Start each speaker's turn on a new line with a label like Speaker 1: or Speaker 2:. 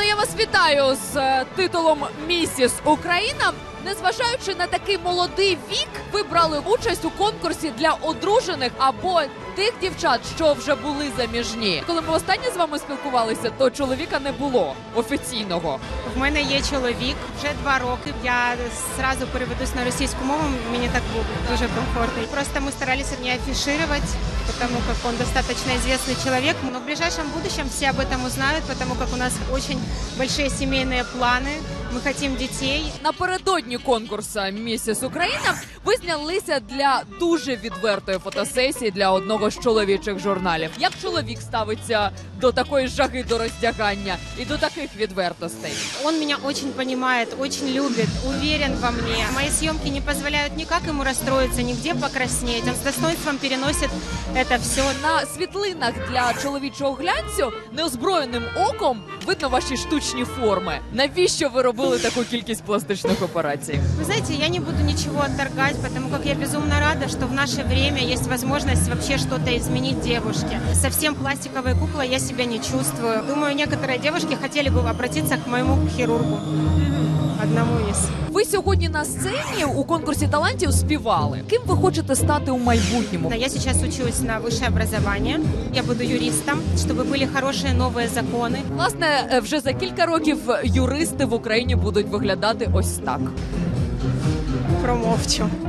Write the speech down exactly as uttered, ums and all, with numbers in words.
Speaker 1: я вас вітаю з е, титулом «Місіс Україна». Незважаючи на такий молодий вік, ви брали участь у конкурсі для одружених або тих дівчат, що вже були заміжні. Коли ми останнє з вами спілкувалися, то чоловіка не було офіційного.
Speaker 2: В мене є чоловік, вже два роки. Я зразу переведусь на російську мову, мені так було дуже комфортно. Просто мы старались не афишировать, потому как он достаточно известный человек. Но в ближайшем будущем все об этом узнают, потому как у нас очень большие семейные планы. Ми хочемо дітей.
Speaker 1: Напередодні конкурсу «Місіс Україна» ви знялися для дуже відвертої фотосесії для одного з чоловічих журналів. Як чоловік ставиться до такої жаги до роздягання і до таких відвертостей?
Speaker 2: Он меня очень понимает, очень любит, уверен во мне. Мои съемки не позволяют никак ему расстроиться, нигде покраснеть. Он с достоинством переносит это все.
Speaker 1: На світлинах для чоловічого глянцю неозброєним оком видно ваші штучні форми. Навіщо ви робили таку кількість пластичних операцій?
Speaker 2: Вы знаете, я не буду ничего отторгать, потому как я безумно рада, что в наше время есть возможность вообще что-то изменить девушке. Совсем пластиковой куклой я себя не чувствую. Думаю, некоторые девушки хотели бы обратиться к моему хирургу. Одному із.
Speaker 1: Ви сьогодні на сцені у конкурсі талантів співали. Ким ви хочете стати у майбутньому?
Speaker 2: Я сейчас учусь на высшее образование. Я буду юристом, чтобы были хорошие новые законы.
Speaker 1: Власне, вже за кілька років юристи в Україні будуть виглядати ось так.
Speaker 2: Промовчу.